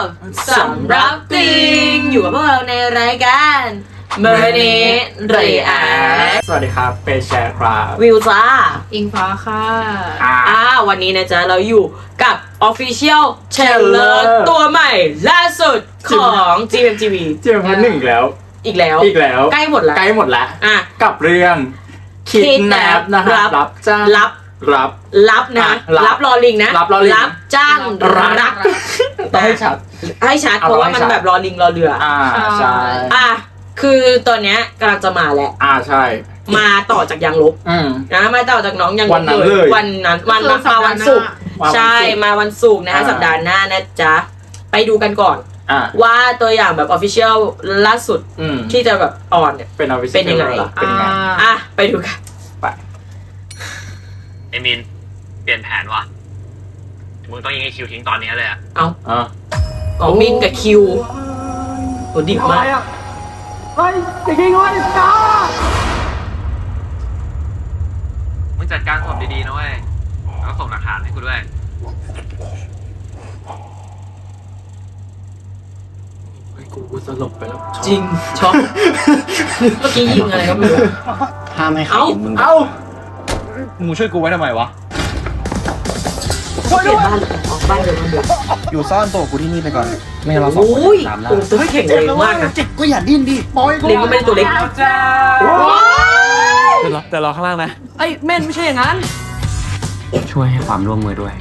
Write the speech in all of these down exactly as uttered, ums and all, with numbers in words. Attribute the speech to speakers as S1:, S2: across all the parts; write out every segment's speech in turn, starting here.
S1: สำรับติงอยู่กับพวกเราในรายการเมอร์เนเรีย
S2: สวัสดีครับเปแชร์ครับ
S1: วิวจ้า
S3: อิงฟ้าค่ะ
S1: อ่าวันนี้นะจ๊ะเราอยู่กับ Official Trailer ตัวใหม่ล่าสุดของ จี เอ็ม ที วี
S2: จี เอ็ม ที วี หนึ่งแล้ว
S1: อีกแล้ว
S2: อีกแล้ว
S1: ใกล้หมดแล้ว
S2: ใกล้หมดแล้ว
S1: อ่ะ
S2: กับเรื่อง Kidnap นะครับรับจ้าง
S1: รับ
S2: รับ
S1: รับนะ
S2: รับ
S1: รับรอลิงนะ
S2: รับรอลิง
S1: รับจ้างรัก
S2: ต้องให้ชัด
S1: ให้ชัดเพราะว่ามันแบบรอลิงรอเรืออ่
S2: อ่าใช่
S1: อ่ะคือตอนเนี้ยกำลังจะมาแล้ว
S2: อ่าใช่
S1: มาต่อจากยางลบ
S2: อืม
S1: นะมาต่อจากน้องยางล
S2: วั
S1: บ
S2: นนั้นเลย
S1: วันนั้นวันมาวันศุกร์
S2: วันศุกร์
S1: ใช่มาวันศุกร์นะฮะ
S2: อ่า
S1: สัปดาห์หน้านะจ๊ะไปดูกันก่อน
S2: อ่า
S1: ว่าตัวอย่างแบบ Official ล่าสุด
S2: อืม
S1: ที่จะแบบออนเนี่ย
S2: เป็นเอา
S1: เป็นยังไง
S2: เป็นยังไง
S1: อ่ะไปดูกัน
S2: ไป
S4: ไอ้มินเปลี่ยนแผนว่ะมึงต้องยิงไอ้คิวทิ้งตอนนี้เลยอะ
S1: เอา
S2: อ่า
S1: อ๋อมินกับคิวโหดิบมาก
S2: เฮ้ยจริงๆเว้ยจ้า
S4: มึงจัดการศพดีๆนะเว้ยแล้วส่งหลักฐานให้กูด้วย
S2: ไอ้กูกูสลบไปแล้ว
S1: จริงช็อกเมื่อกี้ยิงอะไรก็ไม่รู้
S5: ห้ามให้ใคร
S1: เอ้า
S5: เห็นมึง
S2: เอ้า
S5: มึงช่วยกูไว้ทำไมวะ
S1: เปลี่ยนบ้านเลยออกบ้านเดิมบ้านเดิม
S5: อยู่ซ่อนตัวกูที่นี่ไปก่อน ไม่งั้นเราสองคน
S1: โอ้ย
S5: ตามล่า
S1: โอ้ตัวแข็งแรงมากนะ
S5: จิกก็อย่าดิ้นดิปล่อยกู
S1: เล็งก็ไม่ได้ตัวเล็ก
S5: เดี๋ยวรอแต่รอข้างล่างนะ
S1: ไอ้เม่นไม่ใช่อย่างนั้น
S5: ช่วยให้ความร่วมมือด้วย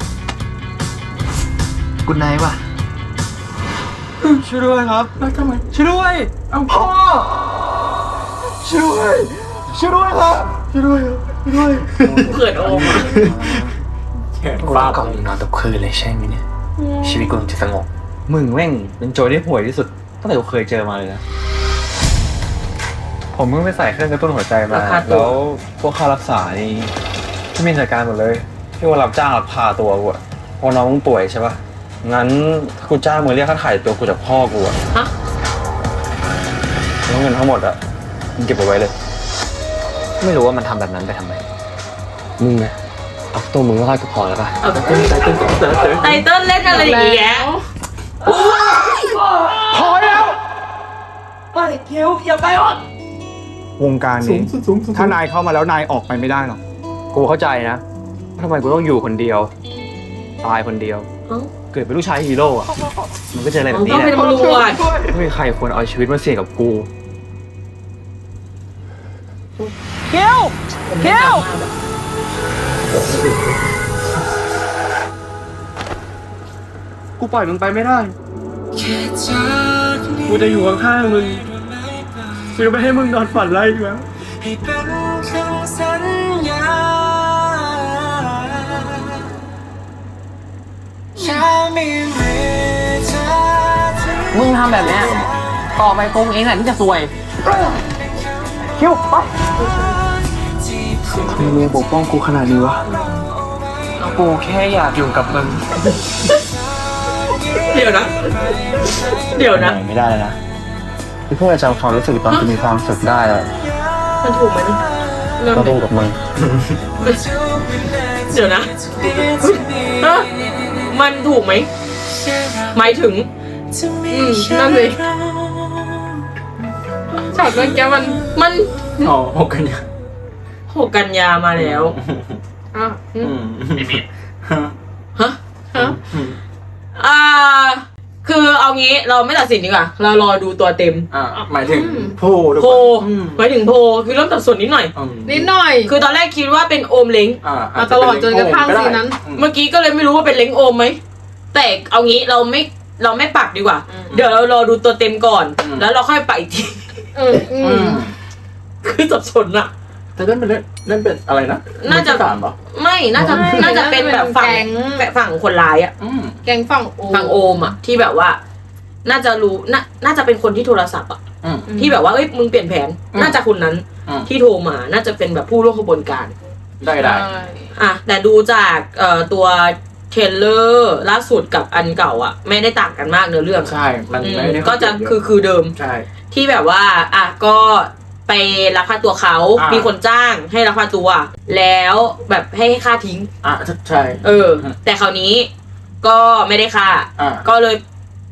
S5: กุณนายว่ะช่วยด้วยครับ
S2: แล้วทำไม
S5: ช่วยด้วย
S2: เอ้าพ่อ
S5: ช่วยด้วยช่วยด้วยครับช่วยด้วยช่วยด้วย
S1: เขินโอมอะ
S2: แขน
S5: กู
S2: ฟาด
S5: ก่อนนอนทุกคืนเลยใช่ไหมเนี่ยชีวิตกูจะสงบมึงแม่งเป็นโจรที่ห่วยที่สุดตั้งแต่กูเคยเจอมาเลยนะผมเพิ่งไปใส่เครื่องกระตุ้นหัวใจมาแล้วพวกค่ารักษานี่ที่มีจัดการหมดเลยที่ว่ารับจ้างรับพาตัวกูอะพอน้องมึงป่วยใช่ปะงั้นถ้ากูจ้างมึงเรียกค่าถ่ายตัวกูจากพ่อกูอะ
S1: ฮะ
S5: แล้วเงินทั้งหมดอะมึงเก็บเอาไว้เลย ไม่รู้ว่ามันทำแบบนั้นไปทำไมมึงนะเอาตัวมึงก็รอดก็พอแล้วปะ
S1: เอา
S2: ตึ้งตึ้งตึ้งตึ้งตึ้งตึ้ง
S1: ไตเติ้ลเล่นอะไรอย่างเงี้ย
S5: พอแล้ว
S1: เฮ้ยคิวอย่าไปอ่ะ
S6: วงการ
S2: สูง
S6: นี้
S2: สูงสูงสูง
S6: ถ้านายเข้ามาแล้วนายออกไปไม่ได้หรอก
S5: กูเข้าใจนะทำไมกูต้องอยู่คนเดียว ตายคนเดียว
S1: เอ้า
S5: เกิดเป็นลูกชายฮีโร่อะมันก็เจออะไรแบบ
S1: ต้
S5: นี้
S1: อง
S5: แห
S1: เป็น
S5: ละ
S1: ตำรวจ
S5: ไม่มีใครควรเอาชีวิตมาเสี่ยงกับกูเคียวเคียวกูปล่อยมึงไปไม่ได้กูจะอยู่ข้างๆมึงกูจะไม่ให้มึงนอนฝันไรอีกแล้ว
S7: ให้เป็นคำสัญญาแค่มีมือเธอที่
S3: มึงทำแบบเนี้ยต่อไปคงเองแหละที่จะซวย
S5: คิวไปทำไมมึงปกป้องกูขนาดนี้วะกูแค่อยากอยู่กับมึง
S1: เดี๋ยวนะ เดี๋ยวนะ
S5: ไม่ได้แล้วนะที่เพื่อจำความรู้สึกตอนกูมีความสุขได้อะ
S1: มันถูกไหมนะเริ่ม
S5: ก็
S1: ดิ
S5: ต้องกับมึง
S1: เดี๋ยวนะฮะมันถูกไหมหมายถึง
S3: อืมนั่นสิช็อตเมื่อกี้มัน
S1: มัน
S2: อ๋อหกกันเนี่ย
S1: หกกันยามาแล้ว
S3: อ่ะอื
S2: อื
S3: ม
S2: ม
S4: ไอ้มิน
S1: ฮะ
S3: ฮะ
S1: อ่า คือเอางี้เราไม่ตัดสินดีกว่า เรารอดูตัวเต็ม
S2: อ่าหมายถึงผู้ทุก
S1: โพ
S2: คนอืม
S1: หมายถึงโพคือเริ่มสับสนนิดหน่อย
S2: อืม
S3: นิดหน่อย
S1: คือตอนแรกคิดว่าเป็นโอมเล้ง
S2: อ่า
S3: มาตลอดจนกระทั่ง
S2: ก็ได้
S3: ซีนนั้น
S2: อืม
S1: เมื่อกี้ก็เลยไม่รู้ว่าเป็นเล้งโอมไหม แต่เอางี้เราไม่เราไม่ปักดีกว่า เดี๋ยวเรารอดูตัวเต็มก่อน แล้วเราค่อยปักอีกที
S3: เอออื
S2: อื
S3: ม
S2: ม
S1: คือสับสนอะ
S2: แต่นั่นเป็นเล่นนั่นเป็นอะไรนะ
S1: น่าจะ
S2: มือที่สามเหรอ
S1: ไม่ น่าจะ น่าจะเป็นแบบฝั่งฝั่งคนร้ายอะ
S2: อืม
S3: แกงฝั่งโอ
S1: ฝั่งโอมอะที่แบบว่า น่าจะรู้ น่า น่าจะเป็นคนที่โทรศัพท์อะ
S2: อืม
S1: ที่แบบว่าเอ้ยมึงเปลี่ยนแผน
S2: อืม
S1: น่าจะคนนั้น
S2: อืม
S1: ที่โทรมา น่าจะเป็นแบบผู้ร่วมขบวนการ
S2: ได้ได้
S3: ใช่
S1: อ่ะแต่ดูจากเอ่อตัวเทรลเลอร์ล่าสุดกับอันเก่าอ่ะ ไม่ได้ต่างกันมากเนื้อเรื่อง
S2: ใช่ มัน
S1: อืม
S2: ไม่ได้
S1: ก็จะคือคือเดิม
S2: ใช่
S1: ที่แบบว่าอ่ะก็ไปลักพาตัวเขา
S2: อ่ามี
S1: มีคนจ้างให้ลักพาตัว แล้วแบบให้ค่าทิ้ง
S2: อ่ะใช่
S1: เออ แต่คราวนี้ก็ไม่ได้ค่า
S2: อ่า
S1: ก็เลย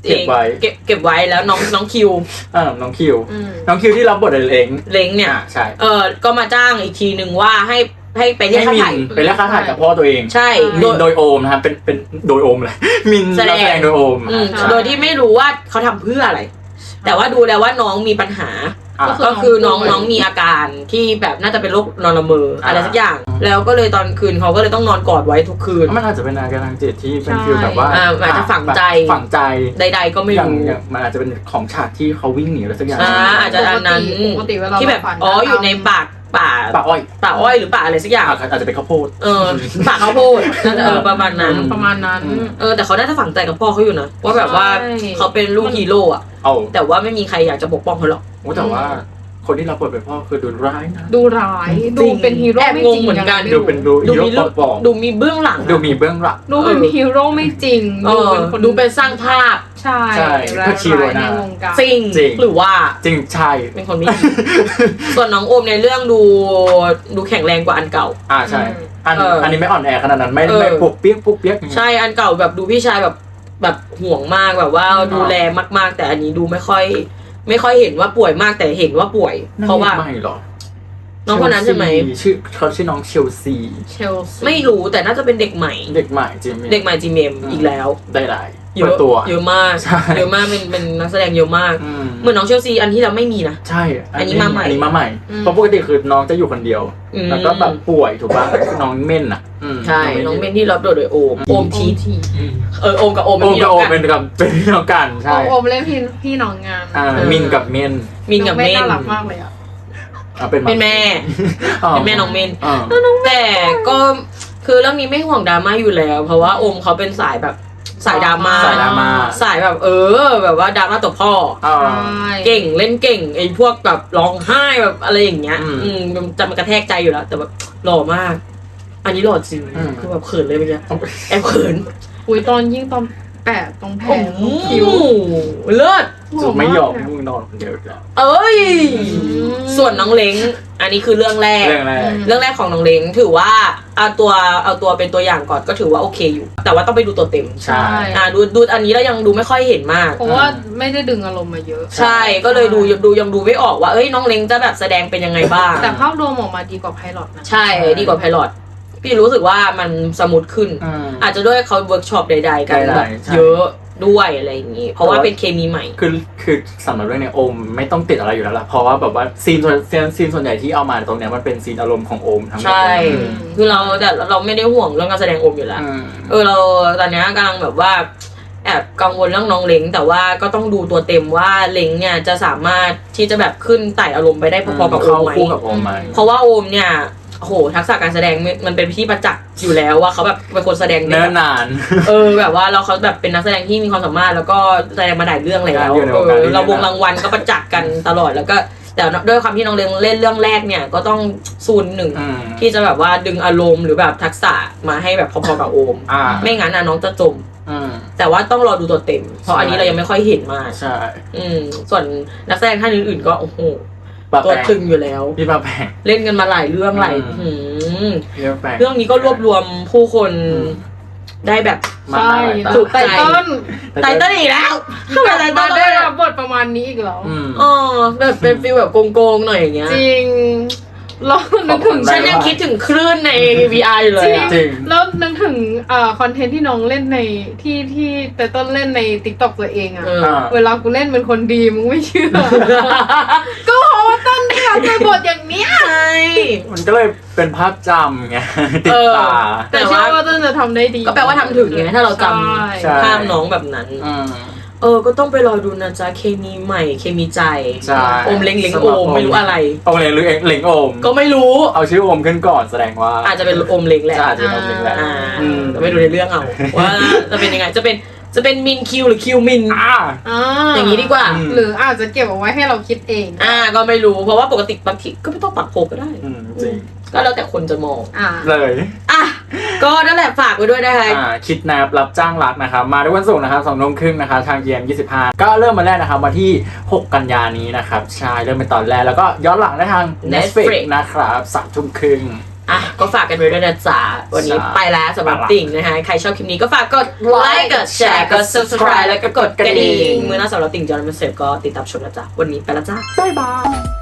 S2: เก็บไว้
S1: เก็บเก็บไว้แล้วน้องน้องคิว
S2: เออน้องคิว
S3: อืม
S2: น้องคิวที่รับบทเล้ง
S1: เล้งเนี่ย
S2: อ่าใช่
S1: เออก็มาจ้างอีกทีหนึ่งว่าให้ให้ไปเรียก
S2: ให้
S1: ค่า
S2: มิ
S1: ถ่าย
S2: นไปเรียกค่าถ่ายกับพ่อตัวเอง
S1: ใช่
S2: มิ
S1: โด
S2: น
S1: ย
S2: โดยโอมนะครับเป็นเป็นโดยโอมเลยมิน
S1: แสดง
S2: นักแสดงโดยโอม
S1: อืม
S2: ใช่
S1: โดยที่ไม่รู้ว่าเขาทำเพื่ออะไร แต่ว่าดูแล้วว่าน้องมีปัญหา
S2: อ่ะ
S1: ก็คือน้องน้องมีอาการที่แบบน่าจะเป็นโรคนอนละเมออะไรสักอย่าง แล้วก็เลยตอนคืนเขาก็เลยต้องนอนกอดไว้ทุกคืน
S2: มันอาจจะเป็นอาการทางจิตที่เป็น
S3: ใช่
S2: ฟีลแบบว่า
S1: อ่าอาจจะฝังใจ
S2: ฝังใจ
S1: ใดๆก็ไม่
S2: อย่าง
S1: รู้
S2: อย่างมันอาจจะเป็นของฉากที่เขาวิ่งหนีอะไรสักอย่าง
S1: อ่าอาจจะอันนั้น
S3: ปกติเวลา
S1: ที่แบบ
S3: เราฝัน
S1: อ๋ออยู่ในปากป่า
S2: ป่าอ้อย
S1: ป่าอ้อยหรือป่าอะไรสักอย่าง
S2: อ่ะอาจจะเป็นข้าวโพด
S1: เออป่าข้าวโพดน่าจะเออประมาณนั้น
S2: อืม
S3: ประมาณนั้น
S2: อืม
S1: เออแต่เขาน่าจะฝังใจกับพ่อเขาอยู่นะว่าแบบว่า
S3: ใช่
S1: เขาเป็นลูกฮีโร่อะ
S2: เอา
S1: แต่ว่าไม่มีใครอยากจะปกป้องเขาหรอก
S2: โอ้แต่ว่าคนที่รับบทเป็นพ่อคือดูร้ายนะ
S3: ดูร้าย
S1: จริ
S3: ดู
S1: ง
S3: เป็นฮีโร่
S1: แอบ
S3: ไม่
S1: ง
S3: จ
S1: ง
S3: ริง
S1: เหมือนกัน
S3: ยังไง
S2: ดู
S3: ไม่
S2: เป็น
S3: รู้
S2: ดู
S1: ดู
S2: ฮี
S1: มี
S2: โร่
S1: เรื่อง
S2: ปลอม
S1: ดูมีเบื้องหลังอะ
S2: ดูมีเบื้องหลัง
S3: ดูเป็นฮีโร่ไม่จริง
S1: เอ
S3: ดู
S1: อ
S3: เป็นคน
S1: ดูเป็นสร้างภาพ
S3: ใช่
S2: ใช่
S3: ร้า
S2: ก็ชีโร่
S3: ย
S2: นะ
S3: ในวงการ
S1: จริง
S2: จริง
S1: หรือว่า
S2: จริงใช่
S1: เป็นคนไม่ดี ส่วนน้องโอมในเรื่องดูดูแข็งแรงกว่าอันเก่า
S2: อ่าใช่อัน
S1: เอออั
S2: อันนี้ไม่อ่อนแอขนาดนั้นไม่
S1: เออ
S2: ไม่ปุกเปียกปุกเปียกอย่างเงี้ย
S1: ใช่อันเก่าแบบดูพี่ชายแบบแบบห่วงมากแบบว่าดูแลมากๆ แต่อันนี้ดูไม่ค่อย ไม่ค่อยเห็นว่าป่วยมากแต่เห็นว่าป่วย เพราะว่า
S2: ไม่หรอ
S1: น้องคนนั้นใช่ไหม
S2: ชื่อเขาชื่อน้องเชลซี
S3: เชลซี
S1: ไม่รู้แต่น่าจะเป็นเด็กใหม่
S2: เด็กใหม่จิมมี่
S1: เด็กใหม่จีเมมอีกแล้ว
S2: ได้หลาย
S1: เย
S2: เปิ
S1: อะ
S2: ดตัว
S1: เยอะมาก
S2: ใช่
S1: เยอะมากเป็นเป็นนักแสดงเยอะมาก
S2: อืม
S1: เหมือนน้องเชลซีอันที่เราไม่มีนะ
S2: ใช่
S1: อันนี้มาใหม่
S2: อันนี้มาใหม่ เพราะปกติคือน้องจะอยู่คนเดียว
S1: อืม
S2: แล้วก็แบบป่วยถูกป่ะน้องเม่นอ่ะอืม
S1: ใช่น้องเมนที่รับโดยโดยโอมโอมที
S3: ที
S2: อืม
S1: เออโอมกับโอม
S2: โอ
S1: เป็น
S2: ม
S1: พี่
S2: กับ
S1: น้อ
S2: โอง ม
S1: กัน
S2: เป็นกับเป็นพี่น้องกันใช่
S3: โอมเล่นพี่พี่น้องงาม
S2: อ่า
S1: เออ
S2: มินกับเม่น
S1: มินกับเมน
S3: น่ารักมากเลยอ่ะ
S2: อ่ะเป็น
S1: เป็นแม่
S2: อ๋อ
S1: เป็นแม่น้องเมน
S2: อ๋อ
S1: แต่ก็คือเรื่องนี้ไม่ห่วงดราม่าอยู่แล้ว เพราะว่าโอมเขาเป็นสายแบบสายดราม่า
S2: สายดราม่า
S1: สายแบบเออ แบบว่าดราม่าตัวพ่อ
S2: อ๋อ
S1: เก่งเล่นเก่งไอ้พวกแบบร้องไห้แบบอะไรอย่างเงี้ย
S2: อืม
S1: อืมมันจะมันกระแทกใจอยู่แล้ว แต่แบบหล่อมาก อันนี้หล่อจริง
S2: อืม
S1: คือแบบเขินเลยเมื่อกี้แอบเขิน
S3: อุ้ยตอนยิ่งตอนแปะตรงแผล
S1: โอ้
S3: ตรงคิ้ว
S1: โหเลิศ
S2: จุดไม่ยอม
S3: ห
S2: ให้
S3: ล่าก
S2: มึงนอนคนเดียวอีกแล้ว
S1: เอ้ย
S3: ม
S1: ส่วนน้องเล้งอันนี้คือเรื่องแรก
S2: เรื่องแรก
S1: เรื่องแรกของน้องเล้งถือว่าเอาตัวเอาตัวเป็นตัวอย่างก่อนก็ถือว่าโอเคอยู่ แต่ว่าต้องไปดูตัวเต็ม
S2: ใช่
S1: อ่าดูดูอันนี้แล้วยังดูไม่ค่อยเห็นมาก
S3: เพราะว่าไม่ได้ดึงอารมณ์มาเยอะ
S1: ใช่ก็เลยดูดูยังดูไม่ออกว่าเอ้ยน้องเล้งจะแบบแสดงเป็นยังไงบ้าง
S3: แต่ภาพรวมออกมาดีกว่าไพลอตนะ
S1: ใช่ดีกว่าไพลอตพี่รู้สึกว่ามันสมูทขึ้น
S2: อืม
S1: อาจจะด้วยเขาเวิร์กช็อปใดๆกัน
S2: ใดๆ
S1: แบบ
S2: ใช่
S1: เยอะด้วยอะไรอย่างนี้ เพราะว่าเป็นเคมีใหม่
S2: คือคือสำหรับเรื่องเนี้ยโอมไม่ต้องติดอะไรอยู่แล้วล่ะเพราะว่าแบบว่าซีนส่วนซีนซีนส่วนใหญ่ที่เอามาตรงเนี้ยมันเป็นซีนอารมณ์ของโอมทั้งหมด
S1: ใช่
S2: เลย
S1: คือเราแต่เราไม่ได้ห่วงเรื่องการแสดงโอมอยู่แล้ว
S2: อืม
S1: เออเราตอนเนี้ยกำลังแบบว่าแอบกังวลเรื่องน้องเล้งแต่ว่าก็ต้องดูตัวเต็มว่าเล้งเนี่ยจะสามารถที่จะแบบขึ้นไต่อารมณ์ไปได้พอๆกับโอ
S2: เข้าม
S1: ไหม
S2: คู่กับโอมไหม
S1: เพราะว่าโอมเนี่ยโอ้โหทักษะการแสดงมันมันเป็นที่ประจักษ์อยู่แล้วว่าเขาแบบเป็นคนแสดง
S2: เนิ่นนาน
S1: เออแบบว่าเราเขาแบบเป็นนักแสดงที่มีความสามารถแล้วก็แสดงมาหลายเรื่องแล้ว
S2: อยู่ใน
S1: เอ
S2: วงการ
S1: อ
S2: นี้
S1: เราวงรางวัลก็ประจักษ์กันตลอดแล้วก็แต่ด้วยความที่น้องเล้งเล่นเรื่องแรกเนี่ยก็ต้องซูนหนึ่ง
S2: อืม
S1: ที่จะแบบว่าดึงอารมณ์หรือแบบทักษะมาให้แบบพอๆกับโอม
S2: อ่า
S1: ไม่งั้นนะน้องจะจม
S2: อืม
S1: แต่ว่าต้องรอดูตัวเต็ม เพราะ
S2: ใช่
S1: อันนี้เรายังไม่ค่อยเห็นมาก
S2: ใช่
S1: อืมส่วนนักแสดงท่านอื่นๆก็โอ้โห
S2: ปะ
S1: ตัว
S2: แปง
S1: ตึงอยู่แล้ว
S2: พี่ปาแปง
S1: เล่นกันมาหลายเรื่องหลาย
S2: อืม
S1: หืม
S2: พี่ปาแปง
S1: เรื่องนี้ก็รวบรวมผู้คน
S2: อืม
S1: ได้แบบ
S2: มา
S3: ใช่
S2: หลาย
S1: ถู
S2: ตาก
S1: ใจ
S3: ไตเติ้ล
S1: ไตเติ้ลอีกแล้วทำไมไต
S3: มา
S1: เติ้ล
S3: ได้
S1: ได้
S3: รับบทประมาณนี้อีกแล้ว
S2: อืม
S1: อ๋อแบบเป็นฟีลแบบโกงๆหน่อยอย่างเงี้ย
S3: จริงเรานึกถึง
S2: ขอบคุณ
S1: ฉันยังคิดถึงคลื่นใน วี อาร์ อยู่เลยอะ
S2: จริง
S3: แล้วนึกถึงเอ่อคอนเทนต์ที่น้องเล่นในที่ที่แต่ต้นเล่นใน ติ๊กต็อก ตัวเองอะ
S1: เออ
S2: อ่า
S3: เวลากูเล่นเป็นคนดีมึงไม่เชื่อ ก็เพราะว่าต้นได้รับบทอย่างเนี้ย
S1: ใช่
S2: มันก็เลยเป็นภาพจำไง ติด
S1: เออ
S2: ตา
S3: แต่เชื่อว่าต้นจะทำได้ดี
S1: ก็แปลว่าทำถึงไงถ้าเราจ
S2: ใช่
S1: ำภาพน้องแบบนั้น
S2: อืม
S1: เออ ก็ต้องไปรอดูนะจ๊ะ เคมีใหม่ เคมีใจ
S2: ใช่
S1: โอมเล็งเล็งโอม ไม่รู้อะไร
S2: โอมเล็งหรือเองเล็งโอม
S1: ก็ไม่รู้
S2: เอาชื่อโอมขึ้นก่อนแสดงว่า
S1: อาจจะเป็นโอมเล็งแหละ
S2: จะอาจจะเป็นโอมเล็งแหละ
S1: อ่า
S2: อืม
S1: แต่ไม่ดูในเรื่องเอา ว่าจะเป็นยังไง จะเป็น จะเป็นมินคิวหรือคิวมิน
S2: อ่า
S3: อ่า
S1: อย่างนี้ดีกว่า
S2: อืม
S3: หรืออาจจะเก็บเอาไว้ให้เราคิดเอง
S1: อ่า ก็ไม่รู้ เพราะว่าปกติบางทีก็ไม่ต้องปักโพก็ได้
S2: อืมจริง
S1: ก็แล้วแต่คนจะมอง
S3: อ่า
S2: เลย
S1: อ่ะ ก็นั่นแหละฝากไว้ด้วยนะคะ
S2: อ่าคิดแนบรับจ้างรักนะครับมาทุกวันศุกร์นะครับสองทุ่มครึ่งนะครับทาง จี เอ็ม ยี่สิบห้าก็เริ่มมาแรกนะครับวันที่หกกันยานี้นะครับใช่เริ่มเป็นตอนแรกแล้วก็ย้อนหลังได้ทาง Netflix
S1: Netflix
S2: นะครับสามทุ่มครึ่ง
S1: อ่ะก็ฝากกันไว้ด้วยนะจ๊ะวันนี้ไปแล้วสำหรับติ่งนะคะใครชอบคลิปนี้ก็ฝากกดไลค์กดแชร์กด subscribe แล้วก็กดกระดิ่งมือหน้าสำหรับติ่งจอห์นมันเสร็จก็ติดตามชมนะจ๊ะวันนี้ไปแล้วจ้าบ๊ายบาย